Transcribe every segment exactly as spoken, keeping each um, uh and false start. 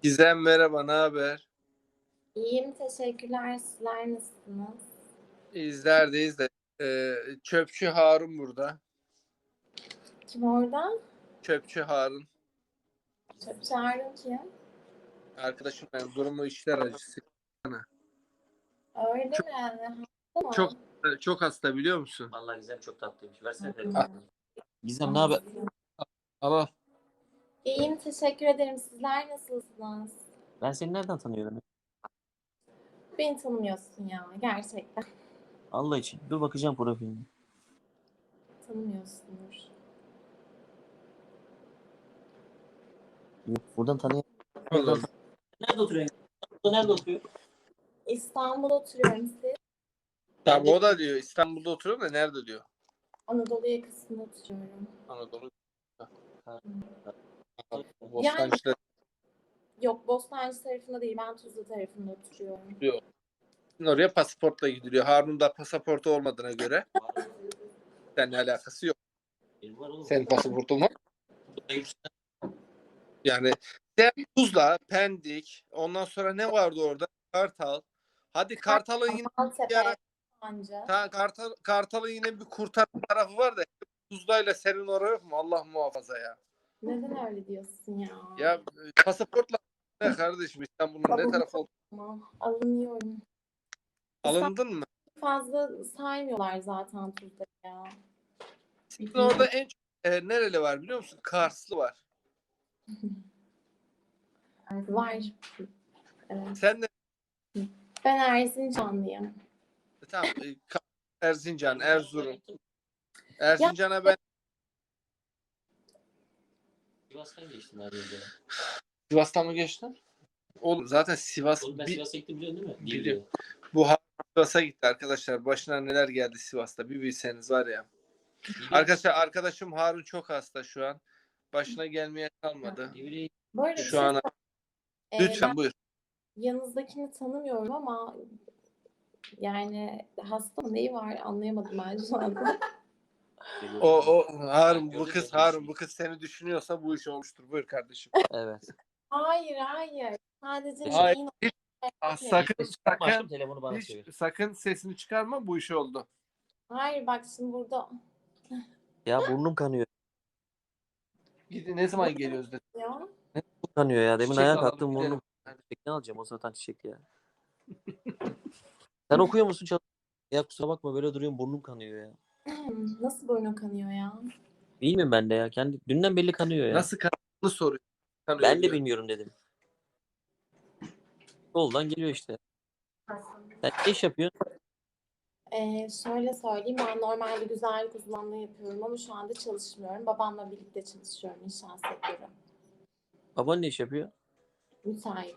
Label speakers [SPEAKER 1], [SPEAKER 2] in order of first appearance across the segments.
[SPEAKER 1] Gizem merhaba, ne haber?
[SPEAKER 2] İyiyim, teşekkürler. Sizler nasılsınız?
[SPEAKER 1] İzlerdeyiz de. Ee, Çöpçü Harun burada.
[SPEAKER 2] Kim orada?
[SPEAKER 1] Çöpçü Harun.
[SPEAKER 2] Çöpçü Harun kim?
[SPEAKER 1] Arkadaşım ben durumu işler acısı.
[SPEAKER 2] Öyle
[SPEAKER 1] Çok
[SPEAKER 2] mi? Hasta
[SPEAKER 1] çok
[SPEAKER 2] mı?
[SPEAKER 1] çok hasta biliyor musun?
[SPEAKER 3] Vallahi Gizem çok tatlıymış. Versene
[SPEAKER 1] Ah,
[SPEAKER 3] telefonu. Gizem ne haber?
[SPEAKER 1] Allah.
[SPEAKER 2] İyiyim, teşekkür ederim. Sizler nasılsınız?
[SPEAKER 3] Ben seni nereden tanıyorum?
[SPEAKER 2] Beni tanımıyorsun ya, gerçekten.
[SPEAKER 3] Allah için. Dur bakacağım profiline.
[SPEAKER 2] Tanımıyorsundur.
[SPEAKER 3] Yok, buradan tanıyorum.
[SPEAKER 1] Olur.
[SPEAKER 3] Nerede oturuyorsun? İstanbul'da nerede oturuyor?
[SPEAKER 2] İstanbul'da oturuyorum siz.
[SPEAKER 1] Tabii o da diyor İstanbul'da oturuyorum da nerede diyor?
[SPEAKER 2] Anadolu yakasında oturuyorum.
[SPEAKER 1] Anadolu.
[SPEAKER 3] Ha.
[SPEAKER 1] Bostancı'da
[SPEAKER 2] Yok, Bostancı tarafında değil, ben Tuzla tarafında oturuyorum.
[SPEAKER 1] diyor. Oraya pasaportla gidiliyor. Harun'un da pasaportu olmadığına göre seninle alakası yok.
[SPEAKER 3] Benim var oğlum.
[SPEAKER 1] Senin pasaportun var. Yani sen Tuzla, Pendik, ondan sonra ne vardı orada? Kartal. Hadi Kartal'ın yine bir
[SPEAKER 2] Maltepe,
[SPEAKER 1] ara,
[SPEAKER 2] Sancı.
[SPEAKER 1] ta, Kartal, Kartal'ın yine bir kurtarma tarafı var da Tuzla'yla senin oraya yok mu? Allah muhafaza ya.
[SPEAKER 2] Neden öyle diyorsun ya?
[SPEAKER 1] Ya e, pasaportla ne kardeşim İstanbul'un ne tarafı oldu?
[SPEAKER 2] Tamam, alınıyorum.
[SPEAKER 1] Alındın mı?
[SPEAKER 2] Fazla saymıyorlar zaten Tuzla'yı ya.
[SPEAKER 1] Sizin orada en çok e, nereli var biliyor musun? Karslı var.
[SPEAKER 2] Var. Evet.
[SPEAKER 1] Sen de
[SPEAKER 2] Ben Erzincanlıyım.
[SPEAKER 1] tamam e, Ka- Erzincan, Erzurum. Erzincan'a ben
[SPEAKER 3] Sivas'tan geçtim her yerde.
[SPEAKER 1] Sivas'tan mı geçtin? Oğlum zaten Sivas
[SPEAKER 3] Oğlum ben
[SPEAKER 1] bir,
[SPEAKER 3] Sivas'a gittim biliyorsun değil mi?
[SPEAKER 1] biliyorum. Bu ha- Sivas'a gitti arkadaşlar. Başına neler geldi Sivas'ta bir bilseniz var ya. Arkadaşlar arkadaşım Harun çok hasta şu an. Başına gelmeye kalmadı.
[SPEAKER 2] Bu arada
[SPEAKER 1] Şu an
[SPEAKER 2] e,
[SPEAKER 1] lütfen
[SPEAKER 2] ben
[SPEAKER 1] buyur.
[SPEAKER 2] yanınızdakini tanımıyorum ama yani hasta mı neyi var anlayamadım ben şu anda.
[SPEAKER 1] O o Harun bu kız Harun bu kız seni düşünüyorsa bu iş olmuştur. Buyur kardeşim.
[SPEAKER 3] Evet.
[SPEAKER 2] Hayır hayır. Sadece
[SPEAKER 1] Hayır.
[SPEAKER 2] neyin
[SPEAKER 1] Ah, sakın
[SPEAKER 3] Açtım
[SPEAKER 1] sakın
[SPEAKER 3] telefonu bana
[SPEAKER 1] hiç,
[SPEAKER 3] çevir.
[SPEAKER 1] sakın sesini çıkarma bu iş oldu.
[SPEAKER 2] Hayır bak şimdi burada
[SPEAKER 3] Ya burnum kanıyor.
[SPEAKER 1] Gidi ne zaman geliyoruz dedi.
[SPEAKER 2] ya.
[SPEAKER 3] Burnum kanıyor ya. Demin
[SPEAKER 1] Çiçek
[SPEAKER 3] ayağa
[SPEAKER 1] alalım,
[SPEAKER 3] kalktım
[SPEAKER 1] gidelim.
[SPEAKER 3] burnum. Çiçek ne alacağım o zaten çiçek ya. Sen okuyor musun çalış? Ya kusura bakma böyle duruyorum burnum kanıyor ya.
[SPEAKER 2] Nasıl boynu kanıyor ya?
[SPEAKER 3] Bilmiyorum ben de ya. Kendi dünden belli kanıyor ya.
[SPEAKER 1] Nasıl kanını soruyor. Kanıyor
[SPEAKER 3] Ben de
[SPEAKER 1] diyor.
[SPEAKER 3] bilmiyorum dedim. Soldan geliyor işte. Sen ne iş yapıyorsun?
[SPEAKER 2] Ee, şöyle söyleyeyim, ben normalde güzellik uzmanlığı yapıyorum ama şu anda çalışmıyorum. Babamla birlikte çalışıyorum inşaat sektörü.
[SPEAKER 3] Baban ne iş yapıyor?
[SPEAKER 2] Müsait.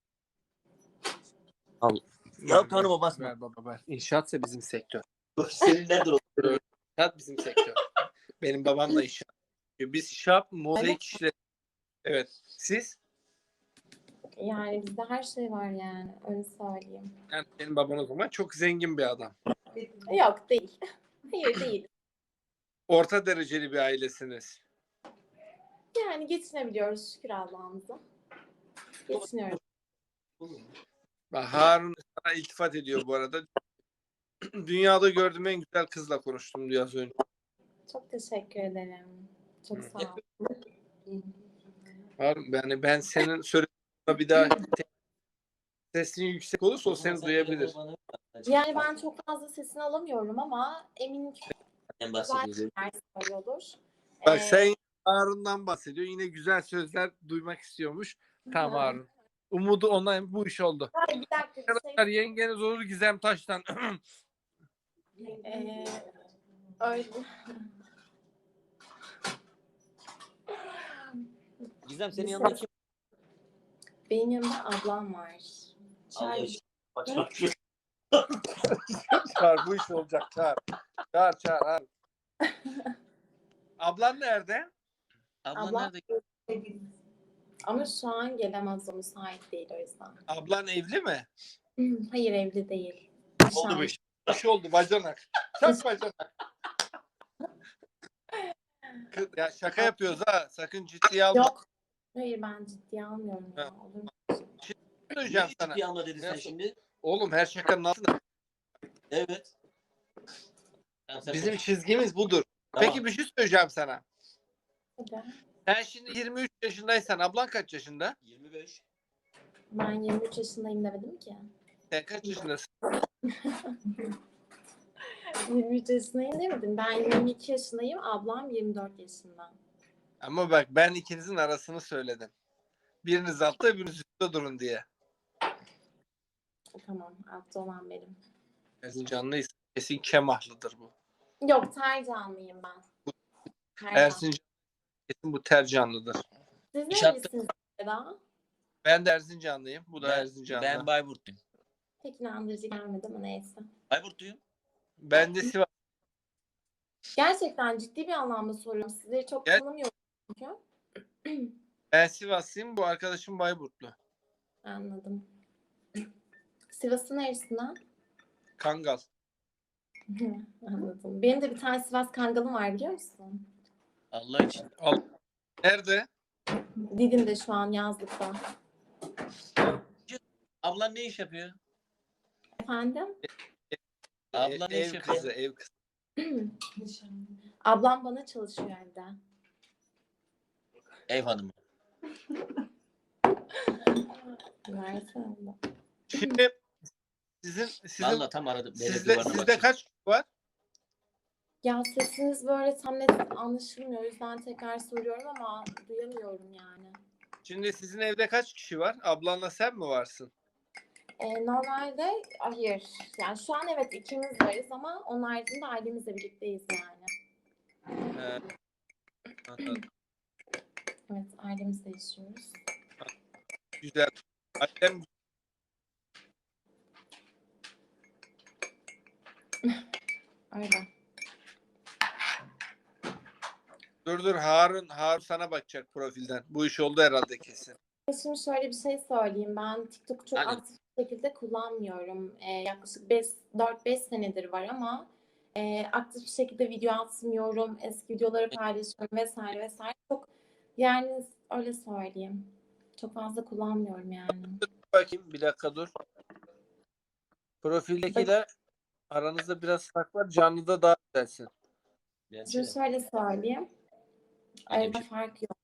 [SPEAKER 3] Al. Ya kanıma basma.
[SPEAKER 1] Ver baba ver. İnşaatsa bizim sektör.
[SPEAKER 3] Senin nerede oturuyor?
[SPEAKER 1] İnşaat bizim sektör. Benim babam da inşaat. Biz şap, mozaik işleri. Evet. Siz?
[SPEAKER 2] Yani bizde her şey var yani, öyle söyleyeyim.
[SPEAKER 1] Yani benim babam o zaman çok zengin bir adam.
[SPEAKER 2] Yok değil. Hayır değil.
[SPEAKER 1] Orta dereceli bir ailesiniz.
[SPEAKER 2] Yani geçinebiliyoruz şükür Allah'ımıza. Geçiniyoruz.
[SPEAKER 1] Bak Harun sana iltifat ediyor bu arada. Dünyada gördüğüm en güzel kızla konuştum diyor az önce.
[SPEAKER 2] Çok teşekkür ederim. Çok
[SPEAKER 1] Hı.
[SPEAKER 2] sağ ol.
[SPEAKER 1] Harun yani ben senin söylediğine bir daha sesin yüksek olursa o seni duyabilir.
[SPEAKER 2] Yani ben çok fazla sesini alamıyorum ama eminim ki
[SPEAKER 3] En
[SPEAKER 2] güzel
[SPEAKER 3] bahsediyor.
[SPEAKER 2] şeyler söylüyordur.
[SPEAKER 1] Bak
[SPEAKER 2] Ee,
[SPEAKER 1] sen Harun'dan bahsediyor. Yine güzel sözler duymak istiyormuş. Tamam Harun. Umudu ondan bu iş oldu.
[SPEAKER 2] Hayır, bir dakika bir şey.
[SPEAKER 1] Arkadaşlar yengeniz olur Gizem Taş'tan.
[SPEAKER 2] Ee, öyle.
[SPEAKER 3] Gizem senin yanında kim?
[SPEAKER 2] Benim yanımda ablam var.
[SPEAKER 3] Allah
[SPEAKER 2] Çağır.
[SPEAKER 3] için. Bak bak.
[SPEAKER 1] Çağır bu iş olacak çağır. Çağır çağır Harun. Ablan nerede?
[SPEAKER 3] Ablan
[SPEAKER 2] Ablam-
[SPEAKER 3] nerede?
[SPEAKER 2] Ama şu an gelemez, o müsait değil o yüzden.
[SPEAKER 1] Ablan evli mi?
[SPEAKER 2] Hayır, evli değil.
[SPEAKER 1] Oldu bu
[SPEAKER 2] Nişanlı.
[SPEAKER 1] iş. İş oldu bacanak. Çak bacanak. Kız, ya şaka yapıyoruz ha. Sakın ciddiye alma.
[SPEAKER 2] Yok. Hayır, ben ciddiye almıyorum ya.
[SPEAKER 1] Ha.
[SPEAKER 2] Olur mu?
[SPEAKER 1] Söyleyeceğim
[SPEAKER 3] Neyi
[SPEAKER 1] sana.
[SPEAKER 3] ciddiye alma dedin sen
[SPEAKER 1] Nasıl?
[SPEAKER 3] şimdi?
[SPEAKER 1] Oğlum her şakanın altında.
[SPEAKER 3] Evet. Tamam, sen
[SPEAKER 1] Bizim
[SPEAKER 3] konuş.
[SPEAKER 1] çizgimiz budur.
[SPEAKER 3] Tamam.
[SPEAKER 1] Peki bir şey söyleyeceğim sana.
[SPEAKER 2] Hadi.
[SPEAKER 1] Sen şimdi yirmi üç yaşındaysan ablan kaç yaşında?
[SPEAKER 3] yirmi beş.
[SPEAKER 2] Ben yirmi üç yaşındayım demedim ki.
[SPEAKER 1] Sen kaç yaşındasın?
[SPEAKER 2] yirmi üç yaşındayım demedim. Ben yirmi iki yaşındayım. Ablam yirmi dört yaşında.
[SPEAKER 1] Ama bak ben ikinizin arasını söyledim. Biriniz altta biriniz üstte durun diye.
[SPEAKER 2] Tamam. Altta olan benim.
[SPEAKER 1] Erzincanlıysa kesin Kemahlıdır bu.
[SPEAKER 2] Yok, Tercanlıyım ben. Tercan.
[SPEAKER 1] Erzincan kesin bu Tercanlıdır.
[SPEAKER 2] Siz
[SPEAKER 3] İş yaptı.
[SPEAKER 2] nerelisiniz Eda?
[SPEAKER 1] Ben de Erzincanlıyım. Bu da
[SPEAKER 3] Ben,
[SPEAKER 1] Erzincanlı.
[SPEAKER 3] ben Bayburtluyum.
[SPEAKER 2] Pek inandırıcı gelmedi ama neyse.
[SPEAKER 3] Bayburtluyum.
[SPEAKER 1] Ben de Sivas.
[SPEAKER 2] Gerçekten ciddi bir anlamda soruyorum. Sizleri çok
[SPEAKER 1] Gel.
[SPEAKER 2] tanımıyorum çünkü.
[SPEAKER 1] Ben Sivaslıyım. Bu arkadaşım Bayburtlu.
[SPEAKER 2] Anladım. Sivas'ın neresinden?
[SPEAKER 1] Kangal.
[SPEAKER 2] Anladım. Benim de bir tane Sivas Kangalım var, biliyor musun?
[SPEAKER 3] Allah için.
[SPEAKER 1] Al. Nerede?
[SPEAKER 2] Didim'de şu an, yazlıkta.
[SPEAKER 3] Ablan ne iş yapıyor?
[SPEAKER 2] Efendim?
[SPEAKER 3] Ablan
[SPEAKER 1] E,
[SPEAKER 3] ne iş
[SPEAKER 1] ev
[SPEAKER 3] yapıyor?
[SPEAKER 1] kızı, ev kızı.
[SPEAKER 2] Ablam bana çalışıyor evde.
[SPEAKER 3] Ev hanımı.
[SPEAKER 2] Versene abla.
[SPEAKER 1] Şimdi sizin sizin
[SPEAKER 3] Valla tam aradım. Belediye
[SPEAKER 1] sizde
[SPEAKER 3] duvarına
[SPEAKER 1] sizde
[SPEAKER 3] bakacağım.
[SPEAKER 1] kaç kişi var?
[SPEAKER 2] Ya sesiniz böyle tam net anlaşılmıyor. O yüzden tekrar soruyorum ama duyamıyorum yani.
[SPEAKER 1] Şimdi sizin evde kaç kişi var? Ablanla sen mi varsın?
[SPEAKER 2] Ee, normalde hayır. Yani şu an evet ikimiz varız ama onun haricinde ailemizle birlikteyiz yani.
[SPEAKER 1] Ee, anladım.
[SPEAKER 2] Evet, ailemizle yaşıyoruz.
[SPEAKER 1] Güzel. Annem
[SPEAKER 2] Öyle.
[SPEAKER 1] dur dur Harun Harun sana bakacak profilden. Bu iş oldu herhalde kesin.
[SPEAKER 2] Şimdi şöyle bir şey söyleyeyim. Ben TikTok'u çok
[SPEAKER 3] Hadi.
[SPEAKER 2] aktif bir şekilde kullanmıyorum. Ee, yaklaşık dört beş senedir var ama e, aktif bir şekilde video atmıyorum. Eski videoları paylaşıyorum vesaire vesaire. Çok, yani öyle söyleyeyim. Çok fazla kullanmıyorum yani.
[SPEAKER 1] Bakayım bir dakika dur. Profildekiyle aranızda biraz fark var. Canlıda daha güzelsin.
[SPEAKER 3] Bence
[SPEAKER 2] Şimdi
[SPEAKER 3] de.
[SPEAKER 2] şöyle söyleyeyim.
[SPEAKER 3] Öyle bir
[SPEAKER 2] Arada
[SPEAKER 3] şey.
[SPEAKER 2] fark yok.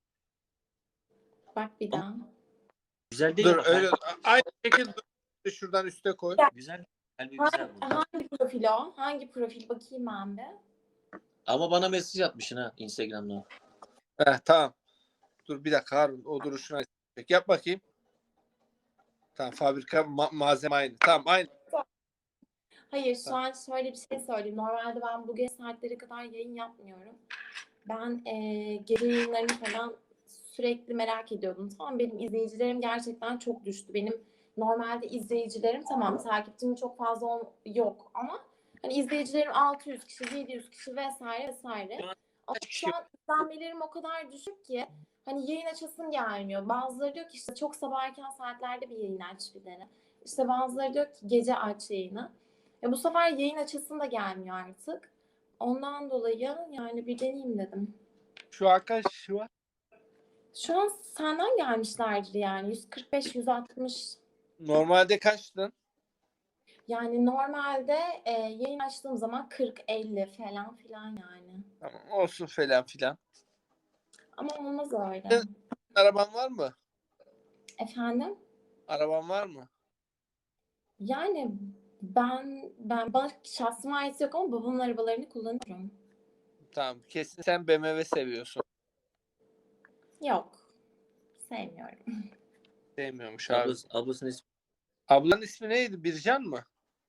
[SPEAKER 2] Bak bir daha.
[SPEAKER 3] Güzel değil
[SPEAKER 1] Dur
[SPEAKER 3] ama.
[SPEAKER 1] öyle aynı şekilde dur. Şuradan üste koy.
[SPEAKER 3] Güzel. Güzel bir
[SPEAKER 2] Hangi,
[SPEAKER 3] güzel bu.
[SPEAKER 2] hangi profil o? Hangi profil? Bakayım ben bir.
[SPEAKER 3] Ama bana mesaj atmışsın ha Instagram'dan.
[SPEAKER 1] Heh, tamam. Dur bir dakika Harun. O duruşuna yap bakayım. Tamam fabrika ma- malzeme aynı. Tamam aynı.
[SPEAKER 2] Hayır, şu an şöyle bir şey söyleyeyim. Normalde ben bu geç saatlere kadar yayın yapmıyorum. Ben e, gece yayınlarını falan sürekli merak ediyordum. Tamam, benim izleyicilerim gerçekten çok düştü. Benim normalde izleyicilerim, tamam, takipçim çok fazla ol- yok ama hani izleyicilerim altı yüz kişi, yedi yüz kişi vesaire vesaire. Ama şu an izlenmelerim o kadar düşük ki hani yayın açasım gelmiyor. Bazıları diyor ki işte çok sabah erken saatlerde bir yayın aç bir dene. İşte bazıları diyor ki gece aç yayını. Ya bu sefer yayın açasım da gelmiyor artık. Ondan dolayı yani bir deneyeyim dedim.
[SPEAKER 1] Şu arkadaş şu var.
[SPEAKER 2] Şu an senden gelmişlerdir yani yüz kırk beş yüz altmış.
[SPEAKER 1] Normalde kaçtın?
[SPEAKER 2] Yani normalde e, yayın açtığım zaman kırk elli falan filan yani.
[SPEAKER 1] Tamam olsun falan filan.
[SPEAKER 2] Ama olmaz öyle.
[SPEAKER 1] Evet. Araban var mı?
[SPEAKER 2] Efendim?
[SPEAKER 1] Araban var mı?
[SPEAKER 2] Yani ben ben bana şahsıma ait yok ama babamın arabalarını kullanıyorum.
[SPEAKER 1] Tamam. Kesin sen B M W seviyorsun.
[SPEAKER 2] Yok. Sevmiyorum.
[SPEAKER 1] Sevmiyormuş abi.
[SPEAKER 3] Ablası, ablasının ismi.
[SPEAKER 1] Ablanın ismi neydi? Bircan mı?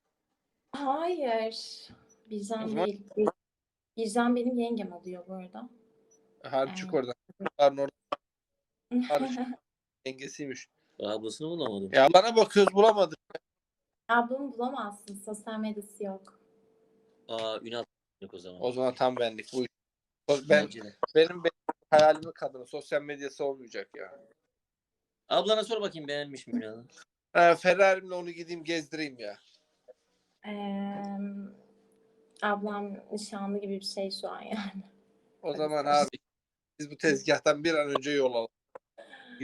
[SPEAKER 2] Hayır.
[SPEAKER 1] O
[SPEAKER 2] Bircan
[SPEAKER 1] zaman-
[SPEAKER 2] değil. Bir- Bircan benim yengem oluyor bu arada.
[SPEAKER 1] Harun çık
[SPEAKER 2] Evet.
[SPEAKER 1] oradan. Harun orada. Harun çık. Yengesiymiş.
[SPEAKER 3] Ablasını bulamadım.
[SPEAKER 1] Ya bana bakıyoruz bulamadık.
[SPEAKER 2] Ablamı bulamazsın. Sosyal medyası yok.
[SPEAKER 3] Aa Ünal yok o zaman.
[SPEAKER 1] O zaman tam benlik bu iş. Ben,
[SPEAKER 3] Bence de.
[SPEAKER 1] benim, benim hayalimin kadını. Sosyal medyası olmayacak ya.
[SPEAKER 3] Ablana sor bakayım beğenmiş mi Ünal'ı?
[SPEAKER 1] Ha, Ferrari'mle onu gideyim gezdireyim ya.
[SPEAKER 2] Ee, ablam nişanlı gibi bir şey şu an yani.
[SPEAKER 1] O zaman abi biz bu tezgahtan bir an önce yol alalım.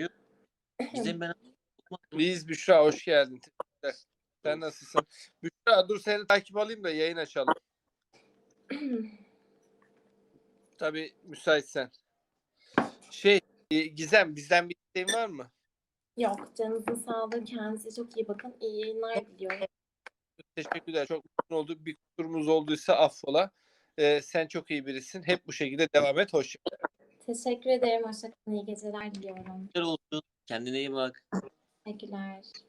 [SPEAKER 3] Gizem ben
[SPEAKER 1] Biz Büşra hoş geldin. Teşekkürler. Sen nasılsın? Büşra dur seni takip alayım da yayın açalım. Tabii müsaitsen. Şey e, Gizem bizden bir isteğin var mı?
[SPEAKER 2] Yok, canınızın sağlığı. Kendinize çok iyi bakın. İyi yayınlar diliyorum.
[SPEAKER 1] Teşekkürler. Çok mutlu olduk. Bir kusurumuz olduysa affola. Ee, sen çok iyi birisin. Hep bu şekilde devam et. Hoşça kal.
[SPEAKER 2] Teşekkür ederim. Hoşçakalın. İyi geceler diliyorum.
[SPEAKER 3] olsun. Kendine iyi bak.
[SPEAKER 2] Teşekkürler.